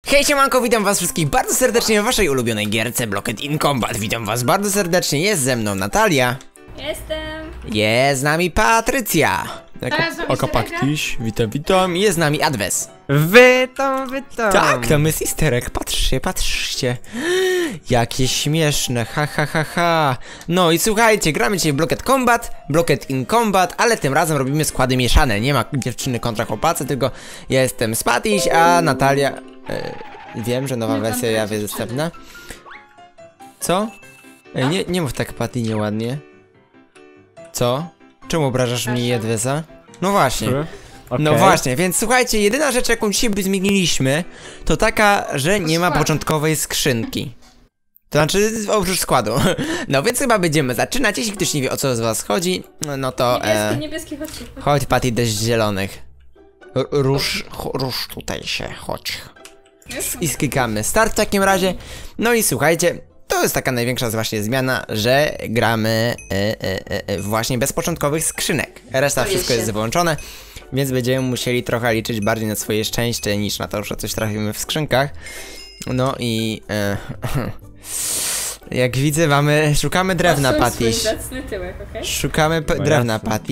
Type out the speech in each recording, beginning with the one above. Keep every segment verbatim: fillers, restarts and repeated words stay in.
Hej siemanko, witam was wszystkich bardzo serdecznie w waszej ulubionej gierce Blocked in Combat. Witam was bardzo serdecznie, jest ze mną Natalia. Jestem. Jest z nami Patrycja. Oka Paktiś, witam, witam. Jest z nami Adwes. Witam, witam. Tak, tam jest easter egg, patrzcie, patrzcie. Jakie śmieszne, ha ha ha ha. No i słuchajcie, gramy dzisiaj w Blocked Combat, Blocked in Combat, ale tym razem robimy składy mieszane. Nie ma dziewczyny kontra chłopacy, tylko ja jestem Spatiś, a Natalia... E, wiem, że nowa wersja ja jest dostępna. Co? Ej, nie, nie mów tak, Patty, nieładnie. Co? Czemu obrażasz mnie i Adwesa? No właśnie. Okay. No właśnie, więc słuchajcie, jedyna rzecz, jaką dzisiaj by zmieniliśmy, to taka, że nie ma początkowej skrzynki. To znaczy, oprócz składu. No więc chyba będziemy zaczynać. Jeśli ktoś nie wie, o co z was chodzi, no to... Niebieski, e, niebieski, chodź. Chodź, Patty, deszcz zielonych. R rusz, rusz tutaj się, chodź. I sklikamy start w takim razie. No i słuchajcie, to jest taka największa właśnie zmiana, że gramy e, e, e, właśnie bez początkowych skrzynek. Reszta wszystko jest wyłączone, więc będziemy musieli trochę liczyć bardziej na swoje szczęście niż na to, że coś trafimy w skrzynkach. No i e, jak widzę, mamy, szukamy drewna, Patty. Okay? Szukamy drewna, Patty.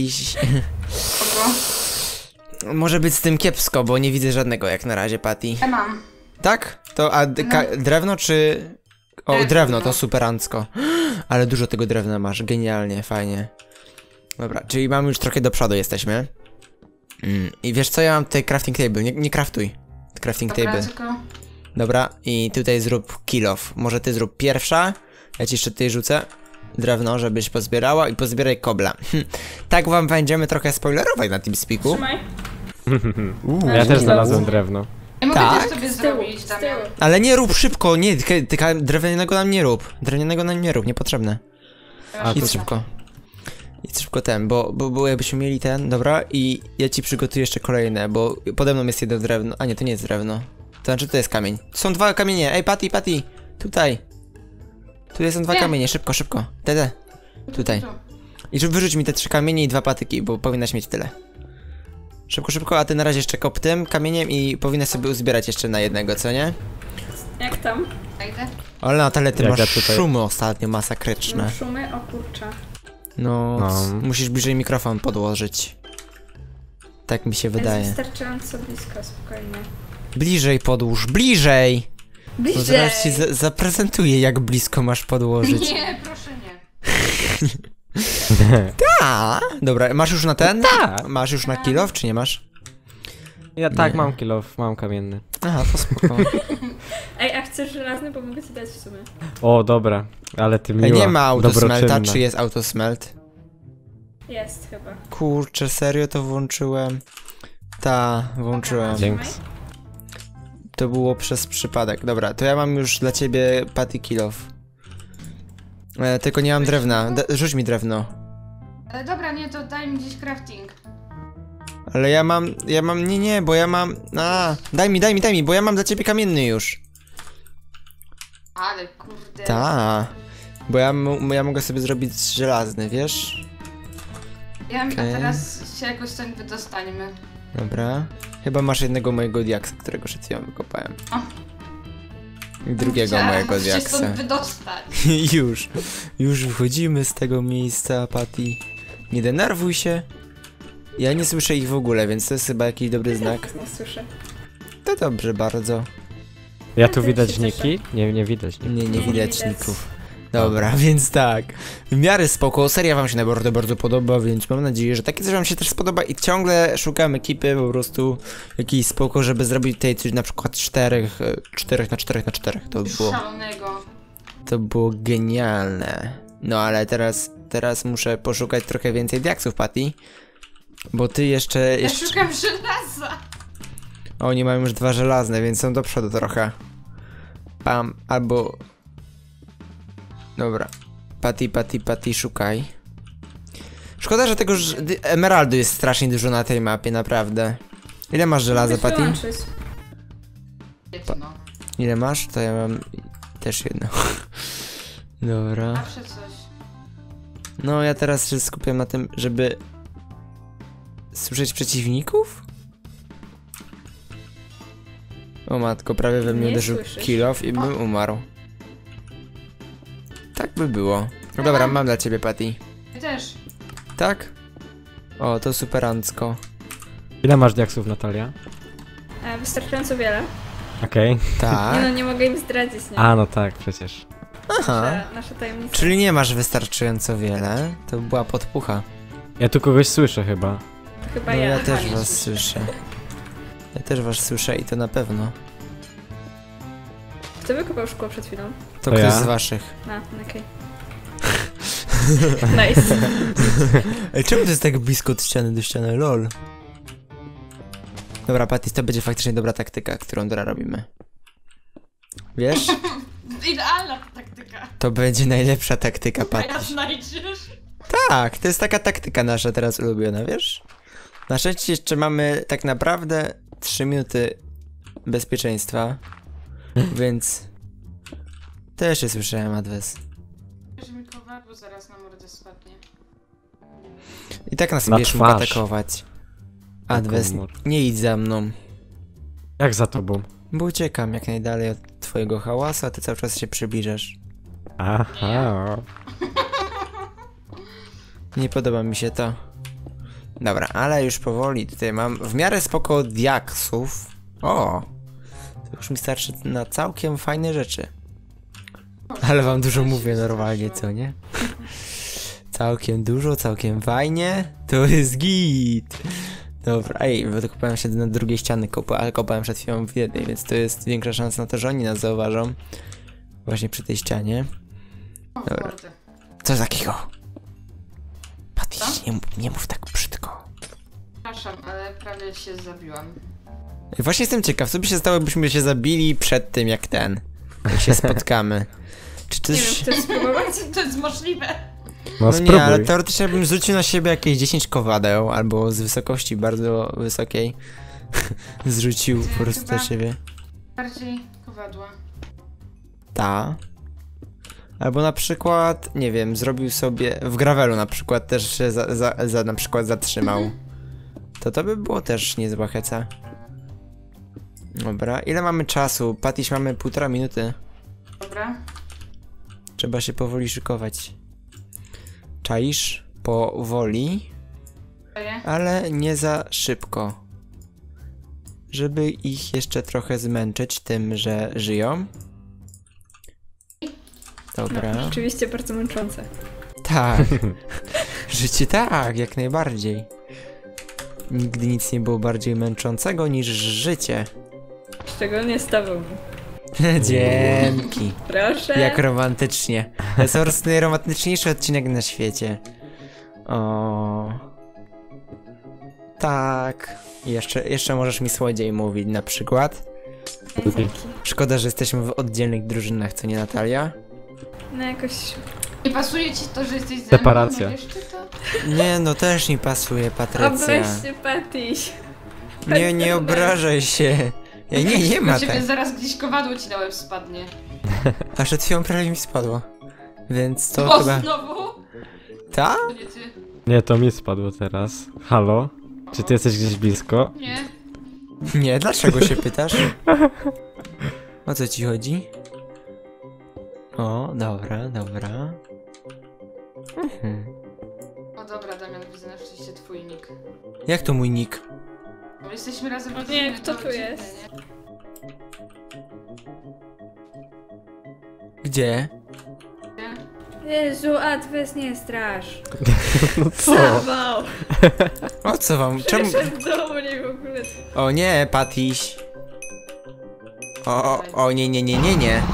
Może być z tym kiepsko, bo nie widzę żadnego jak na razie, Patty. Ja mam. Tak? To a drewno czy... O, drewno, drewno to superancko. Ale dużo tego drewna masz, genialnie, fajnie. Dobra, czyli mamy już trochę do przodu jesteśmy. Mm, I wiesz co, ja mam tutaj crafting table, nie, nie craftuj. Crafting Dobra, table. tylko... Dobra, i tutaj zrób kill off. Może ty zrób pierwsza. Ja ci jeszcze tutaj rzucę drewno, żebyś pozbierała i pozbieraj kobla. Tak wam będziemy trochę spoilerować na TeamSpeaku. Trzymaj. Uuu, ja też znalazłem drewno. Ja mogę Tak? też sobie zrobić, Damian. Ale nie rób szybko, nie, tylko drewnianego nam nie rób. Drewnianego nam nie rób, niepotrzebne. A, Idź szybko. Idź szybko ten, bo, bo, bo jakbyśmy mieli ten, dobra, i ja ci przygotuję jeszcze kolejne, bo pode mną jest jedno drewno, a nie, to nie jest drewno. To znaczy to jest kamień. To są dwa kamienie, ej Patty, Patty, tutaj. Tu są dwa nie. kamienie, szybko, szybko, te, te. Tutaj. I żeby wyrzuć mi te trzy kamienie i dwa patyki, bo powinnaś mieć tyle. Szybko, szybko, a ty na razie jeszcze kop tym kamieniem i powinnaś sobie uzbierać jeszcze na jednego, co nie? Jak tam? Ale Natalia, ty Jak masz ja tutaj... szumy ostatnio masakryczne. Mam szumy? O kurczę. No, no, musisz bliżej mikrofon podłożyć. Tak mi się wydaje. Jest wystarczająco blisko, spokojnie. Bliżej podłóż, bliżej! Bliżej! No zaraz ci za zaprezentuję, jak blisko masz podłożyć. Nie, proszę nie. Ta. Dobra, masz już na ten? Ta. Masz już na kill off, czy nie masz? Ja tak, Nie. mam kill off, mam kamienny. Aha, to spoko. Ej, a chcesz żelazny? Bo mogę ci dać w sumie. O, dobra, ale ty miła, Nie ma autosmelta, dobroczynna. czy jest autosmelt? Jest chyba. Kurczę, serio to włączyłem? Ta, włączyłem. Dzięki. To było przez przypadek. Dobra, to ja mam już dla ciebie Patty kill off. E, tylko nie mam drewna. D rzuć mi drewno. Ale dobra, nie, to daj mi gdzieś crafting. Ale ja mam, ja mam, nie, nie, bo ja mam, a, daj mi, daj mi, daj mi, bo ja mam dla ciebie kamienny już. Ale kurde. Ta, bo ja, ja mogę sobie zrobić żelazny, wiesz? Ja, Okay. A teraz się jakoś stąd wydostańmy. Dobra, chyba masz jednego mojego diaksa, którego przed chwilą wykopałem. O. I drugiego Chciałam mojego się diaksa. stąd wydostać. Już, już wychodzimy z tego miejsca, Patty. Nie denerwuj się. Ja nie słyszę ich w ogóle, więc to jest chyba jakiś dobry znak. Nie słyszę. To dobrze bardzo. Ja tu widać niki? Nie, nie widać niki. Nie, nie Nie widać widać. ników. Dobra, więc tak. W miarę spoko, seria wam się naprawdę bardzo podoba, więc mam nadzieję, że takie coś wam się też spodoba i ciągle szukam ekipy po prostu jakiejś spoko, żeby zrobić tutaj coś na przykład czterech, czterech na czterech na czterech. To by było, Szalonego. to było genialne. No ale teraz, teraz muszę poszukać trochę więcej diaksów, Patty. Bo ty jeszcze... Ja jeszcze... szukam żelaza. Oni mają już dwa żelazne, więc są do przodu trochę. Pam, albo... Dobra. Patty, Patty, Patty, szukaj. Szkoda, że tego ż... emeraldu jest strasznie dużo na tej mapie, naprawdę. Ile masz żelaza, Patty? Jedno. Ile masz? To ja mam też jedno. Dobra. Zawsze coś. No, ja teraz się skupiam na tym, żeby... słyszeć przeciwników? O matko, prawie we mnie Nie uderzył słyszysz. kill off i bym umarł. Tak by było. No dobra, mam dla ciebie, Patty. Ty też. Tak? O, to superancko. Ile masz diaksów, Natalia? E, wystarczająco wiele. Okej. Nie Tak? no, nie mogę im zdradzić, nie? A, no tak, przecież. Aha. Nasze, nasze tajemnice. Czyli nie masz wystarczająco wiele. To była podpucha. Ja tu kogoś słyszę chyba. To chyba No ja. ja Aha, też nie was słyszę. słyszę. Ja też was słyszę i to na pewno. Kto wykopał szkło przed chwilą? To To ktoś ja. z waszych. A, okej. Nice. Ej, czemu to jest tak blisko od ściany do ściany? Lol. Dobra, Patty, to będzie faktycznie dobra taktyka, którą teraz robimy. Wiesz? Idealna taktyka. To będzie najlepsza taktyka, A ja Patty. znajdziesz. Tak, to jest taka taktyka nasza teraz ulubiona, wiesz? Na szczęście jeszcze mamy tak naprawdę trzy minuty bezpieczeństwa, więc też się słyszałem, Adwes. Że mi kowadło zaraz na mordę spadnie. I tak nas Na będziesz mógł twarz. atakować. Adwes, Komór. nie idź za mną, Jak za tobą? bo uciekam jak najdalej od twojego hałasu, a ty cały czas się przybliżasz. Aha. Nie podoba mi się to. Dobra, ale już powoli tutaj mam w miarę spoko diaksów. O! To już mi starczy na całkiem fajne rzeczy. Ale wam dużo mówię normalnie, co nie? Całkiem dużo, całkiem fajnie. To jest git. Dobra, ej, bo to kopałem się na drugiej ściany, kopa, ale kopałem przed chwilą w jednej, więc to jest większa szansa na to, że oni nas zauważą. Właśnie przy tej ścianie. O, Dobra. mordę. Co takiego? Patty, Co? nie, mów- nie mów tak brzydko. Przepraszam, ale prawie się zabiłam. Właśnie jestem ciekaw, co by się stało, jakbyśmy się zabili przed tym, jak ten, jak się spotkamy. Czy Nie wiem, coś... chcesz spróbować? To jest możliwe. No, No spróbuj. nie, ale teoretycznie bym zrzucił na siebie jakieś dziesięć kowadeł, albo z wysokości bardzo wysokiej zrzucił po prostu na Chyba- siebie. Bardziej kowadła. Ta. Albo na przykład, nie wiem, zrobił sobie, w gravelu na przykład też się za, za, za na przykład zatrzymał. To to by było też niezła heca. Dobra, ile mamy czasu? Patiś, mamy półtora minuty. Dobra. Trzeba się powoli szykować. Czaisz? Powoli, Daję. ale nie za szybko. Żeby ich jeszcze trochę zmęczyć tym, że żyją. Dobra. Rzeczywiście bardzo męczące. Tak. Życie tak, jak najbardziej. Nigdy nic nie było bardziej męczącego niż życie. Szczególnie z tobą. Dzięki. Proszę. Jak romantycznie. To jest po prostu najromantyczniejszy odcinek na świecie. O. Tak. Jeszcze, jeszcze możesz mi słodziej mówić na przykład. Dzięki. Szkoda, że jesteśmy w oddzielnych drużynach, co nie, Natalia? No jakoś... Nie pasuje ci to, że jesteś ze Separacja. mną? No wiesz, czy to? Nie, no też mi pasuje, Patrycja. Obweź się, Pattyś. Nie, nie obrażaj się. Ja, nie, nie ma Do ciebie tak. zaraz gdzieś kowadło ci na łeb spadnie. A przed chwilą prawie mi spadło. Więc to O, chyba... znowu? Ta? To nie ty. Nie, to mi spadło teraz. Halo? Czy ty jesteś gdzieś blisko? Nie. Nie, dlaczego się pytasz? O co ci chodzi? O, dobra, dobra. Mhm. O dobra, Damian, widzę na szczęście twój nick. Jak to mój nick? Bo jesteśmy razem O nie, rodziny, kto to tu dziwne, jest? nie? Gdzie? Nie? Jezu, Adwes, nie strasz. No co? Zawał. O co wam? Czemu? Przyszedł do mnie w ogóle. O nie, Patiś. O, o, o, nie, nie, nie, nie, nie.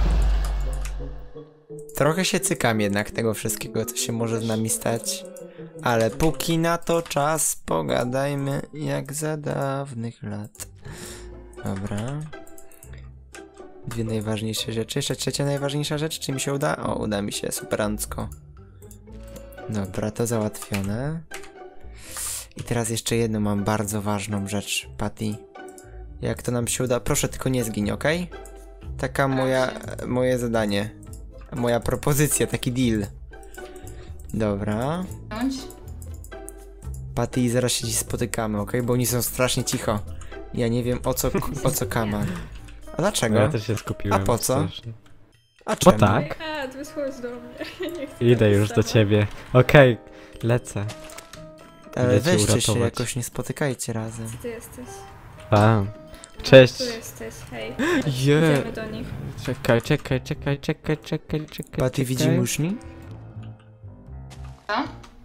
Trochę się cykam jednak tego wszystkiego, co się może z nami stać. Ale póki na to czas, pogadajmy jak za dawnych lat. Dobra. Dwie najważniejsze rzeczy. Jeszcze trzecia najważniejsza rzecz, czy mi się uda? O, uda mi się, superancko. Dobra, to załatwione. I teraz jeszcze jedną mam bardzo ważną rzecz, Patty. Jak to nam się uda? Proszę, tylko nie zgiń, okej? Taka moja, moje zadanie. Moja propozycja, taki deal. Dobra. Bądź. Patty, zaraz się dziś spotykamy, okej? Bo oni są strasznie cicho. Ja nie wiem o co, o co kaman. A dlaczego? No ja też się skupiłem. A po co? strasznie. A Bo czemu? tak. A, ty chodź do mnie. Ja nie chcę Idę być już z do tobą. ciebie. Okej, lecę. Ale Idę cię weźcie się, uratować. jakoś nie spotykajcie razem. Gdzie ty jesteś? Tam. Cześć. Tu jesteś, hej. Je. Idziemy do nich. Czekaj, czekaj, czekaj, czekaj, czekaj, czekaj. Patty widzi muszni? Co?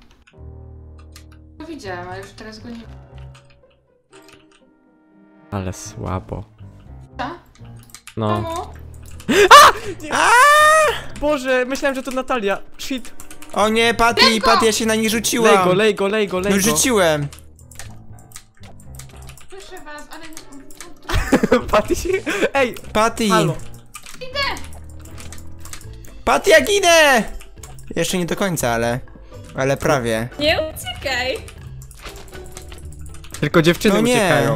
No widziałem, ale już teraz go nie... Ale słabo. Co? No. Mamo? Boże, myślałem, że to Natalia. Shit. O nie, Patty, Patty, ja się na nich Lej rzuciłam. go, lej go, lej go, lej No go. rzuciłem. Proszę was, ale... Patty się... Ej, Patty. halo. Patty, ja ginę! Jeszcze nie do końca, ale... Ale prawie. Nie uciekaj! Tylko dziewczyny No nie. uciekają.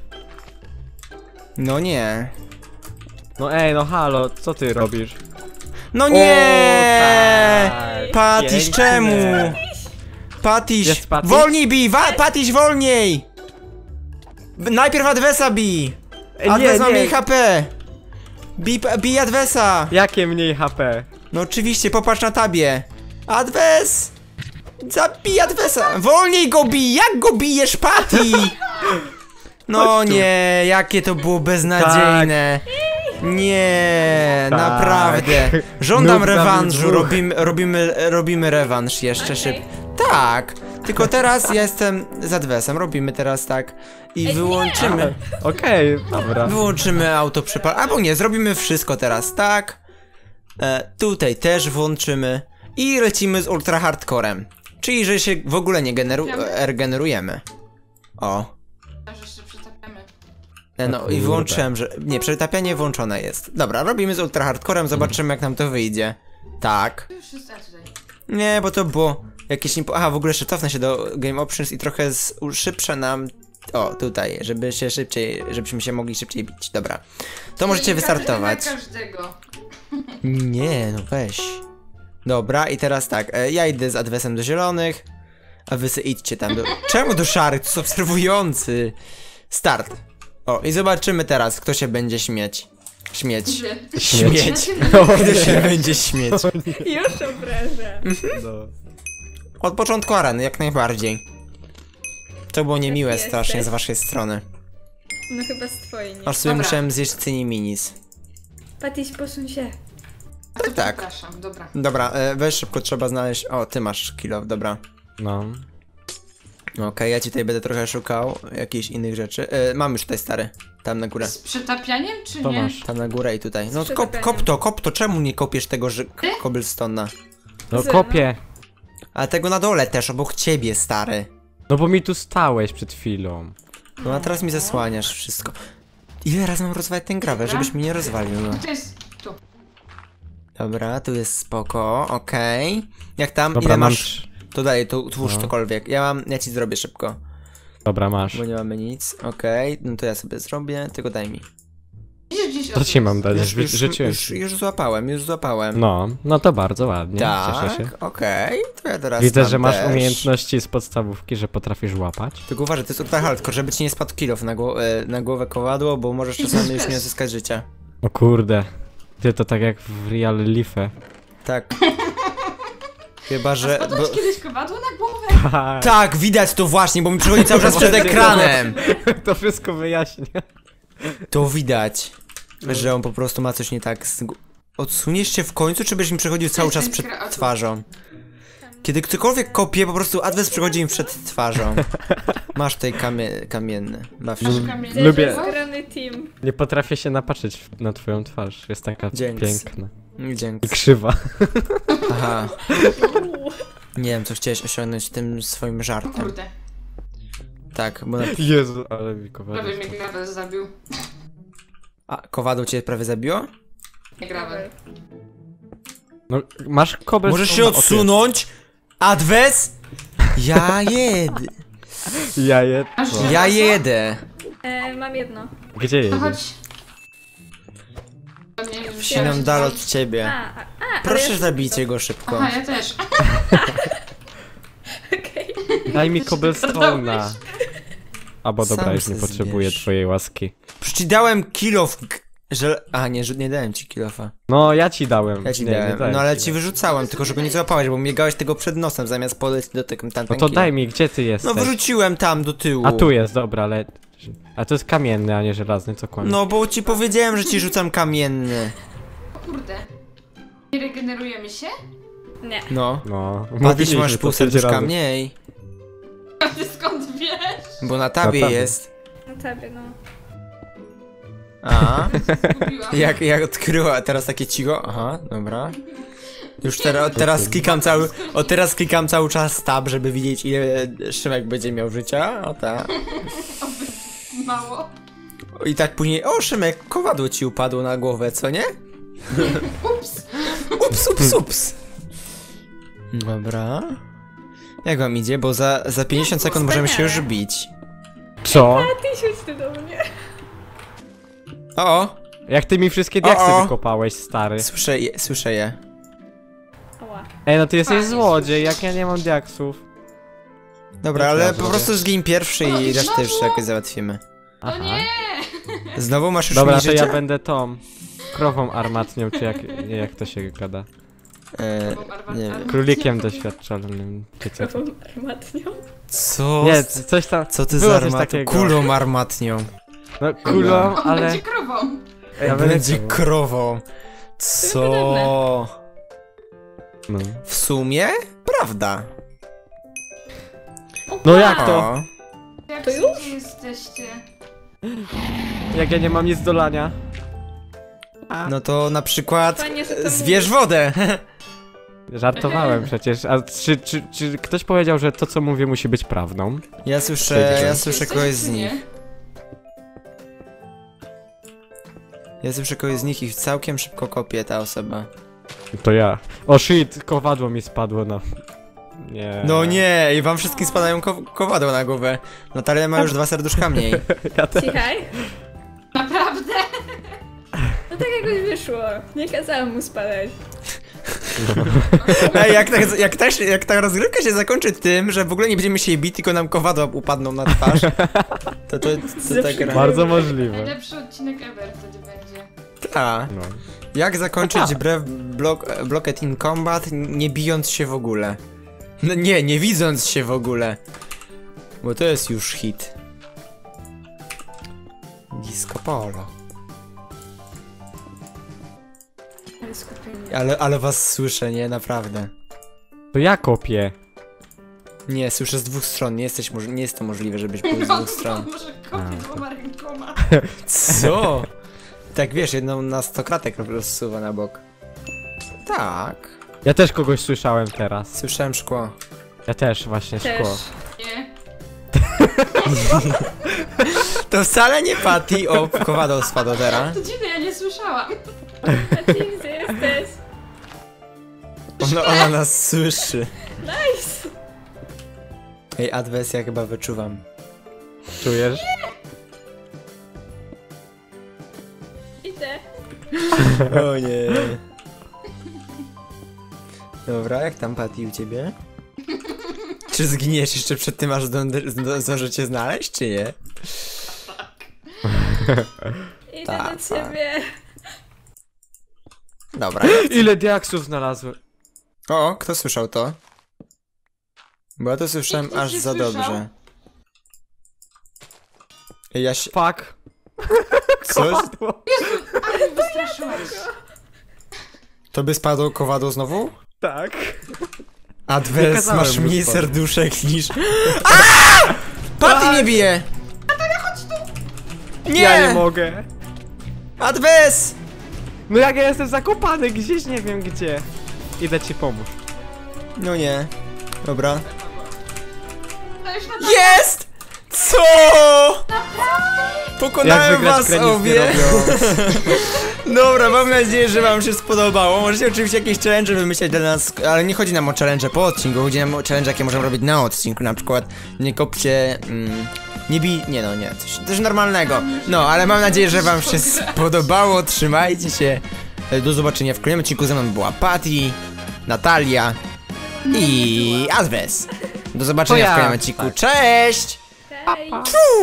No nie. No ej, no halo, co ty robisz? No nie! tak. Pattyś, Pięknie. czemu? Pattyś, Jest Patty? wolniej bij! Wa- Pattyś, wolniej! B- Najpierw Adwesa bij! Ej, Adwes nie, ma nie. mniej H P! Bij, bij Adwesa! Jakie mniej H P? No oczywiście, popatrz na tabie. Adwes! Zabij Adwesa! Wolniej go bij! Jak go bijesz, Patty? No Chodź tu. nie, jakie to było beznadziejne. Nie, Tak. naprawdę. Żądam Noob na rewanżu, dwóch. robimy, robimy, robimy rewanż jeszcze Okej. szybko. Tak, tylko teraz ja jestem z Adwesem, robimy teraz tak i wyłączymy, Okej, dobra. wyłączymy auto przypal, albo nie, zrobimy wszystko teraz, tak. E, tutaj też włączymy i lecimy z ultra hardcorem, czyli że się w ogóle nie generu e, regenerujemy. O. Że się przetapiamy. E, No i kurde. wyłączyłem, że... Nie, przetapianie włączone jest. Dobra, robimy z ultra hardcorem, zobaczymy jak nam to wyjdzie. Tak. To już jest a tutaj. Nie, bo to było jakieś... Nie... Aha, w ogóle jeszcze cofnę się do Game Options i trochę z... szybsze nam... O, tutaj, żeby się szybciej... żebyśmy się mogli szybciej bić. Dobra. To możecie Czyli każdy wystartować. na każdego. Nie, no weź. Dobra, i teraz tak, e, ja idę z Adwesem do zielonych, a wy sobie idźcie tam do... Czemu do szarych? To jest obserwujący. Start. O, i zobaczymy teraz, kto się będzie śmieć. Śmieć. Gdzie? Śmieć. Kto się będzie śmieć. Już obrażę. No. Od początku areny, jak najbardziej. To było niemiłe Jesteś. strasznie z waszej strony. No chyba z twojej nie. Aż sobie Dobra. musiałem zjeść cyni minis. Patyś, posuń się. Tak, tak. Przepraszam, dobra. Dobra, e, weź szybko, trzeba znaleźć... O, ty masz kilo, dobra. No. Okej, ja ci tutaj będę trochę szukał jakichś innych rzeczy. E, mam już tutaj stary. Tam na górę. Z przetapianiem, czy To nie? masz. Tam na górę i tutaj. No Z kop, przetapianiem. kop to, kop to, czemu nie kopiesz tego ży- cobblestone'a? No Zero. kopię. A tego na dole też, obok ciebie, stary. No bo mi tu stałeś przed chwilą. No a teraz mi zasłaniasz wszystko. Ile razy mam rozwalić ten gravel, żebyś mi nie rozwalił, no. To jest tu. Dobra, tu jest spoko, okej. Jak tam, Dobra, ile mam... masz? trz- To dalej, tu twórz No. cokolwiek. Ja mam, ja ci zrobię szybko. Dobra, masz. Bo nie mamy nic, okej. No to ja sobie zrobię, tylko daj mi. Gdzieś, gdzieś To ci mam dać, Już, ży- już, życzyłeś. już, już złapałem, już złapałem. No, no to bardzo ładnie. Cieszę się. Tak, okej, to ja teraz Widzę, mam że masz też. umiejętności z podstawówki, że potrafisz łapać. Tylko uważaj, to jest ultra hardcore, żeby ci nie spadł kilof na, gło e, na głowę kowadło, bo możesz czasami już nie odzyskać życia. O kurde. Ty to tak jak w Real Life. Tak. Chyba, że... Spadło Bo... ci kiedyś kowadło na głowę? Tak, widać to właśnie, bo mi przychodzi cały czas przed ekranem. To wszystko wyjaśnia. To widać, że on po prostu ma coś nie tak z... gł- Odsuniesz się w końcu, czy będziesz mi przechodził cały czas przed twarzą? Kiedy ktokolwiek kopie, po prostu adwes przychodzi mi przed twarzą. Masz tutaj kamie kamienny. Baw się. Masz kamień. Widzę, Lubię- że jest zgrany team. Nie potrafię się napatrzeć w- na twoją twarz. Jest taka Dzięki. piękna. I Dzięki. krzywa. Aha. Uuu. Nie wiem, co chciałeś osiągnąć tym swoim O żartem. kurde. Tak, bo... Na... Jezu, ale mi kowadło. Prawie mnie gravel zabił. A, kowadło cię prawie zabiło? Nie gravel. No, masz kobel. Możesz się odsunąć? Adwes? Ja jedę. Ja je... Masz co? żelazo? Ja jedę. E, mam jedno. Gdzie To jedziesz? chodź. To nie, już Ścinam się dal tam- od ciebie. A, a, a ale Proszę ja zabijcie go szybko. Aha, ja też. Okej. Daj mi cobblestone'a. Albo dobra, Sam już nie se potrzebuję zbierz. twojej łaski. Przecież ci dałem kilof. Że... A nie, że nie dałem ci kilofa. No, ja ci dałem. Ja ci nie, nie dałem. dałem No ale ci. ci wyrzucałem, tylko żeby nie złapałeś, bo miegałeś tego przed nosem zamiast podejść do tego tamten No to kilo. daj mi, gdzie ty jesteś? No wrzuciłem tam do tyłu. A tu jest, dobra, ale... A to jest kamienny, a nie żelazny, co kłamie. No bo ci powiedziałem, że ci rzucam kamienny. O kurde. Nie regenerujemy się? Nie. No. No, Patrz, mówiliśmy masz to pół pięć serduszka razy. mniej. A ty skąd wiesz? Bo na tabie Na tabie. jest. Na tobie, no. A, Zgubiłam. jak, jak odkryła, teraz takie cicho, aha, dobra. Już teraz, teraz klikam cały, o teraz klikam cały czas tab, żeby widzieć ile Szymek będzie miał życia, o tak. Mało. I tak później, o Szymek, kowadło ci upadło na głowę, co nie? Ups. Ups, ups, ups. Dobra. Jak wam idzie, bo za, za pięćdziesiąt sekund możemy się już bić. Co? A ty siedź ty do mnie. O, o, Jak ty mi wszystkie diaksy O, o. wykopałeś, stary. słyszę je, słyszę je. Ała. Ej, no ty jesteś Fajnie, złodziej, jak ja nie mam diaksów. Dobra, Ja ale zrobię. po prostu zgin pierwszy O, i i resztę znowu? jeszcze jakoś załatwimy. No nie! Znowu masz już Dobra, mniej to życia? ja będę tą krową armatnią, czy jak, nie, jak to się gada. E, Armat- nie wiem. armat- Królikiem doświadczalnym, czy co? Krową armatnią. Co? Nie, c- coś tam. Co ty było za coś armatą? takiego. Kulą armatnią. No kulą, On ale... będzie krową. Ja będę Będzie krową. krową. Co? No. W sumie? Prawda. No jak to? O, Jak To gdzie już? jesteście? Jak ja nie mam nic do lania. no to na przykład Fajnie, że to zwierz wodę. Żartowałem przecież, a czy, czy, czy ktoś powiedział, że to co mówię musi być prawdą? Ja słyszę, ja słyszę Jesteś, kogoś czy z nie? nich. Ja słyszę kogoś z nich i całkiem szybko kopie ta osoba. To ja. O shit, kowadło mi spadło na... Nie. No nie, i wam wszystkim spadają ko kowadła na głowę. Natalia ma już dwa serduszka mniej. Ja te... Cichaj. Naprawdę? No tak jakoś wyszło. Nie kazałam mu spadać. Ej, jak, tak, jak, ta, się- jak ta rozgrywka się zakończy tym, że w ogóle nie będziemy się bić, tylko nam kowadła upadną na twarz, to to, to, to tak gra. Bardzo możliwe. Najlepszy odcinek ever wtedy będzie. Ta. No. Jak zakończyć brew block, Blocked in Combat, nie bijąc się w ogóle? No nie, nie widząc się w ogóle. Bo to jest już hit. Disco Polo. Ale skupienie. Ale, ale was słyszę, nie? Naprawdę. To ja kopię. Nie, słyszę z dwóch stron, nie, jesteś, moż- nie jest to możliwe, żebyś był z No, dwóch stron. może kopię A, dwoma rękoma. Co? Tak wiesz, jedną na stokratek rozsuwa na bok. Tak. Ja też kogoś słyszałem teraz. Słyszałem szkło. Ja też właśnie Też. szkło. Nie. To wcale nie Patty, o, kowadło spadło teraz. To dziwne, ja nie słyszałam. A ty gdzie jesteś? Ona, ona nas słyszy. Nice! Ej, Adwes, ja chyba wyczuwam. Czujesz? Idę. O nie. Dobra, jak tam Patty u ciebie? Czy zginiesz jeszcze przed tym, aż zdążę cię znaleźć, czy nie? Idę Tak, do ciebie. Dobra. Ile diaksów znalazłem? O, kto słyszał to? Bo ja to słyszałem Nikt nic aż nie za słyszał. dobrze. Ej, ja się... Fuck. Coś? Kowadło. Ale wystraszyłaś. To by spadło kowadło znowu? Tak. A Nie Adwes, kazałem masz mu mniej spadać. serduszek niż... Aaaa! Patty mnie bije! Nie! Ja nie mogę. Adwes! No jak ja jestem zakopany gdzieś, nie wiem gdzie. Idę ci pomóż. No nie. Dobra. Dajesz na Jest! Co? Jak Pokonałem wygrać was grę nic nie obie. robią. Dobra, mam nadzieję, że wam się spodobało. Możecie oczywiście jakieś challenge wymyśleć dla nas, ale nie chodzi nam o challenge po odcinku, chodzi nam o challenge, jakie możemy robić na odcinku, na przykład nie kopcie, mm, nie bij, nie no, nie, coś, coś normalnego. No, ale mam nadzieję, że wam się spodobało, trzymajcie się. Do zobaczenia w kolejnym odcinku, ze mną była Patty, Natalia i Adwes. Do zobaczenia To ja. w kolejnym odcinku, cześć! Hej!